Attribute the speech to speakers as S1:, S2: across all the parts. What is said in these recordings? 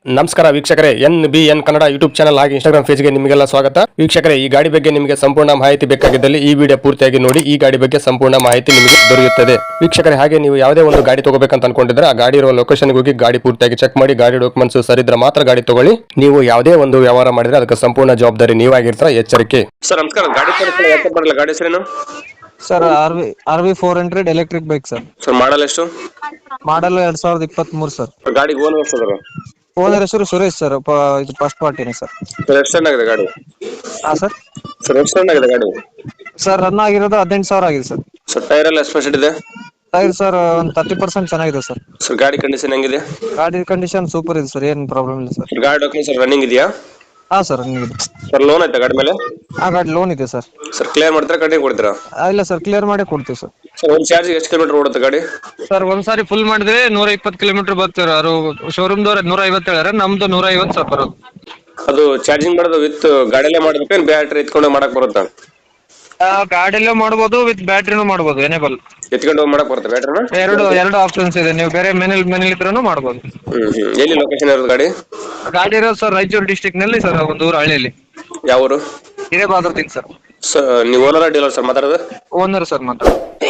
S1: ನಮಸ್ಕಾರ ವೀಕ್ಷಕರೇ, NBN Kannada YouTube channel ಹಾಗೆ ಇನ್ಸ್ಟಾಗ್ರಾಮ್ ಪೇಜ್ಗೆ ನಿಮಗೆಲ್ಲ ಸ್ವಾಗತ. ವೀಕ್ಷಕರೇ, ಈ ಗಾಡಿ ಬಗ್ಗೆ ನಿಮಗೆ ಸಂಪೂರ್ಣ ಮಾಹಿತಿ ಬೇಕಾಗಿದ್ದಲ್ಲಿ ಈ ವಿಡಿಯೋ ಪೂರ್ತಿಯಾಗಿ ನೋಡಿ. ಈ ಗಾಡಿ ಬಗ್ಗೆ ಸಂಪೂರ್ಣ ಮಾಹಿತಿ ನಿಮಗೆ ದೊರೆಯುತ್ತದೆ. ವೀಕ್ಷಕರೇ, ಹಾಗೆ ನೀವು ಯಾವುದೇ ಒಂದು ಗಾಡಿ ತಗೋಬೇಕಂತ ಅನ್ಕೊಂಡಿದ್ರೆ ಆ ಗಾಡಿ ಇರುವ ಲೊಕೇಶನ್ಗೆ ಹೋಗಿ ಗಾಡಿ ಪೂರ್ತಿಯಾಗಿ ಚೆಕ್ ಮಾಡಿ, ಗಾಡಿ ಡಾಕ್ಯುಮೆಂಟ್ಸ್ ಸರಿದ್ರೆ ಮಾತ್ರ ಗಾಡಿ ತಗೊಳ್ಳಿ. ನೀವು ಯಾವುದೇ ಒಂದು ವ್ಯವಹಾರ ಮಾಡಿದ್ರೆ ಅದಕ್ಕೆ ಸಂಪೂರ್ಣ ಜವಾಬ್ದಾರಿ ನೀವಾಗಿರ್ತೀರ, ಎಚ್ಚರಿಕೆ.
S2: ಸರ್ ನಮಸ್ಕಾರ. ಗಾಡಿ ಹೆಸರೇನು?
S3: Sir R V 400 electric bike sir.
S2: Sir model ಎಷ್ಟು?
S3: Model 2023 sir.
S2: ಗಾಡಿಗೆ ಓನರ್ ಎಷ್ಟು?
S3: ಓನರ್ ಹೆಸರು ಸುರೇಶ್ ಸರ್. ಇದು ಫಸ್ಟ್ ಪಾರ್ಟಿನೇ ಸರ್.
S2: ಸರ್ ಎಷ್ಟು ರನ್ ಆಗಿದೆ ಗಾಡಿ?
S3: ಹಾ ಸರ್.
S2: ಸರ್ ಎಷ್ಟು ರನ್ ಆಗಿದೆ ಗಾಡಿ?
S3: ಸರ್ ರನ್ ಆಗಿರೋದು 18,000 ಆಗಿದೆ ಸರ್.
S2: ಸರ್ ಟೈರ್ ಎಲ್ಲ ಎಷ್ಟು ಇದೆ?
S3: ಟೈರ್ ಸರ್ ಒಂದು 30% ಚೆನ್ನಾಗಿದೆ ಸರ್.
S2: ಸರ್ ಗಾಡಿ ಕಂಡೀಷನ್ ಹೆಂಗಿದೆ?
S3: ಗಾಡಿ ಕಂಡೀಷನ್ ಸೂಪರ್ ಇದೆ ಸರ್, ಏನ್ ಪ್ರಾಬ್ಲಮ್ ಇಲ್ಲ ಸರ್.
S2: ಗಾಡಿ ಡಾಕ್ಯುಮೆಂಟ್ಸ್ ರನ್ನಿಂಗ್ ಇದೆಯಾ?
S3: ಹಾ ಸರ್ ರನ್ನಿಂಗ್ ಇದೆ.
S2: ಸರ್ ಲೋನ್ ಆಯ್ತಾ ಗಾಡಿ ಮೇಲೆ?
S3: ಆ ಗಾಡಿ ಲೋನ್ ಇದೆ ಸರ್.
S2: ಸರ್ ಕ್ಲಿಯರ್ ಮಾಡ್ತಾರೆ, ಕಂಟಿನ್ಯೂ ಕೊಡ್ತೀರಾ?
S3: ಇಲ್ಲ ಸರ್, ಕ್ಲಿಯರ್ ಮಾಡಿ ಕೊಡ್ತೀವಿ ಸರ್.
S2: ಸರ್ ಒಂದು ಚಾರ್ಜ್ ಎಷ್ಟು ಕಿಲೋಮೀಟರ್ ಓಡುತ್ತೆ ಗಾಡಿ?
S3: ಸರ್ ಒಂದ್ಸಾರಿ ಫುಲ್ ಮಾಡಿದ್ರೆ 120 ಕಿಲೋಮೀಟರ್ ಬರ್ತಾರೆ. ಅವರು ಶೋರೂಮ್ ದವ್ರ 150 ಹೇಳ್ಯಾರ, ನಮ್ದು 150 ಸರ್ ಬರೋದು.
S2: ಅದು ಚಾರ್ಜಿಂಗ್ ಮಾಡೋದು ವಿತ್ ಗಾಡಿಯಲ್ಲೇ ಮಾಡ್ಬೇಕು, ಬ್ಯಾಟ್ರಿ ಎತ್ಕೊಂಡು ಮಾಡಕ್ ಬರುತ್ತಾ?
S3: ಗಾಡಿಯಲ್ಲೂ ಮಾಡ್ಬೋದು, ವಿತ್ ಬ್ಯಾಟ್ರಿನೂ ಮಾಡ್ಬೋದು. ಎನೇಬಲ್
S2: ಎತ್ಕೊಂಡು ಹೋಗಿ ಮಾಡಕ್ ಬರುತ್ತೆ ಬ್ಯಾಟ್ರಿನ?
S3: ಎರಡು ಆಪ್ಷನ್ಸ್ ಇದೆ. ನೀವು ಬೇರೆ ಮನೇಲಿ ಇದ್ರೂ ಮಾಡ್ಬೋದು.
S2: ಎಲ್ಲಿ ಲೊಕೇಶನ್ ಇರೋದು ಗಾಡಿ?
S3: ಗಾಡಿ ಇರೋದು ಸರ್ ರಾಯಚೂರು ಡಿಸ್ಟಿಕ್ ನಲ್ಲಿ ಸರ್, ಒಂದು ಊರು ಹಳ್ಳಿಯಲ್ಲಿ.
S2: ಯಾವ ಊರು?
S3: ಹಿರೇಬಾದ್ರತಿಂಗ್ ಸರ್.
S2: ಸರ್ ನೀವು ಓನರ್ ಡೀಲರ್ ಸರ್ ಮಾತಾಡೋದು?
S3: ಓನರ್ ಸರ್ ಮಾತ್ರ.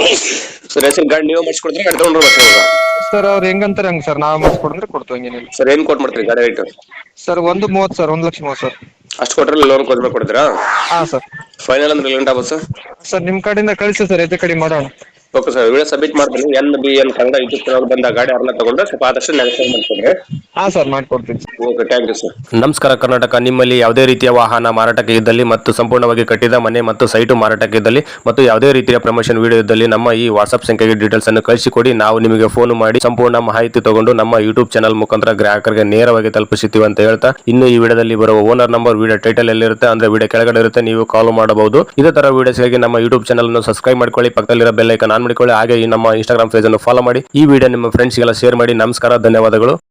S2: ಸರ್ ಹೆಸರು ಗಾಡಿ ನೀವು ಮಾಡಿಸ್ಕೊಡ್ತೀರಾ, ಗಾಡಿ ತಗೊಂಡ್ರು ಮಾಡಿಸ್ಕೊಡ್ತೀರಾ?
S3: ಸರ್ ಅವ್ರು ಹೆಂಗಂತಾರೆ ಹಂಗ ಸರ್, ನಾವು ಮಾಡಿಸ್ಕೊಡ್ರೆ ಕೊಡ್ತೀವಿ, ಹಂಗೇನಿಲ್ಲ.
S2: ಸರ್ ಏನ್ ಕೊಟ್ ಮಾಡ್ತೀರಿ ಗಾಡಿ ರೇಟ್?
S3: Sir 130 sir, 1,30,000 sir.
S2: ಅಷ್ಟು ಕೊಟ್ರೆ ಲೋನ್ ಕೊಡ್ಬೇಕು ಕೊಡ್ತೀರಾ?
S3: ಹಾ ಸರ್.
S2: ಫೈನಲ್ ಅಂದ್ರೆ ಲೇಟ್ ಆಗುತ್ತೆ ಸರ್?
S3: ಸರ್ ನಿಮ್ ಕಡೆಯಿಂದ ಕಳಿಸಿ ಸರ್, ಹೆಚ್ಚು ಕಡಿಮೆ ಮಾಡೋಣ.
S2: ಓಕೆ ಸರ್, ವಿಡಿಯೋ ಸಬ್ಮಿಟ್ ಮಾಡ್ತೀನಿ. NBN ಕನ್ನಡ ಯೂಟ್ಯೂಬ್ ಚಾನಲ್ ಬಂದ ಗಾಡಿ ಅವ್ರನ್ನ ತಗೊಂಡ್ರೆ ಸ್ವಲ್ಪ ಆದಷ್ಟು ನೆಗೆಸೈಡ್ ಮಾಡ್ಕೊಂಡ್ರೆ.
S3: ಹಾ ಸರ್, ಮಾಡ್ಕೊಡ್ತೀನಿ.
S2: Okay, thank you sir.
S1: ನಮಸ್ಕಾರ ಕರ್ನಾಟಕ. ನಿಮ್ಮಲ್ಲಿ ಯಾವುದೇ ರೀತಿಯ ವಾಹನ ಮಾರಾಟಕ್ಕೆ ಇದ್ದಲ್ಲಿ ಮತ್ತು ಸಂಪೂರ್ಣವಾಗಿ ಕಟ್ಟಿದ ಮನೆ ಮತ್ತು ಸೈಟು ಮಾರಾಟಕ್ಕೆ ಇದ್ದಲ್ಲಿ ಮತ್ತು ಯಾವುದೇ ರೀತಿಯ ಪ್ರಮೋಷನ್ ವಿಡಿಯೋ ಇದ್ದಲ್ಲಿ ನಮ್ಮ ಈ ವಾಟ್ಸ್ಆಪ್ ಸಂಖ್ಯೆಗೆ ಡೀಟೇಲ್ಸ್ ಅನ್ನು ಕಳಿಸಿಕೊಡಿ. ನಾವು ನಿಮಗೆ ಫೋನ್ ಮಾಡಿ ಸಂಪೂರ್ಣ ಮಾಹಿತಿ ತಗೊಂಡು ನಮ್ಮ ಯೂಟ್ಯೂಬ್ ಚಾನಲ್ ಮುಖಾಂತರ ಗ್ರಾಹಕರಿಗೆ ನೇರವಾಗಿ ತಲುಪಿಸುತ್ತೀವಿ ಅಂತ ಹೇಳ್ತಾ, ಇನ್ನು ಈ ವಿಡಿಯೋದಲ್ಲಿ ಬರುವ ಓನರ್ ನಂಬರ್ ವಿಡಿಯೋ ಟೈಟಲ್ ಎಲ್ಲಿರುತ್ತೆ ಅಂದ್ರೆ ವಿಡಿಯೋ ಕೆಳಗಡೆ ಇರುತ್ತೆ, ನೀವು ಕಾಲ್ ಮಾಡಬಹುದು. ಇದೇ ತರ ವಿಡಿಯೋಸ್ಗಾಗಿ ನಮ್ಮ ಯೂಟ್ಯೂಬ್ ಚಾನಲ್ ಅನ್ನು ಸಬ್ಸ್ಕ್ರೈಬ್ ಮಾಡ್ಕೊಳ್ಳಿ, ಪಕ್ಕದಲ್ಲಿರೋ ಬೆಲ್ ಐಕಾನ್ ಆನ್ ಮಾಡಿಕೊಳ್ಳಿ. ಹಾಗೆ ನಮ್ಮ ಇನ್ಸ್ಟಾಗ್ರಾಮ್ ಪೇಜ್ ಅನ್ನು ಫಾಲೋ ಮಾಡಿ. ಈ ವಿಡಿಯೋ ನಿಮ್ಮ ಫ್ರೆಂಡ್ಸ್ಗೆಲ್ಲ ಶೇರ್ ಮಾಡಿ. ನಮಸ್ಕಾರ, ಧನ್ಯವಾದಗಳು.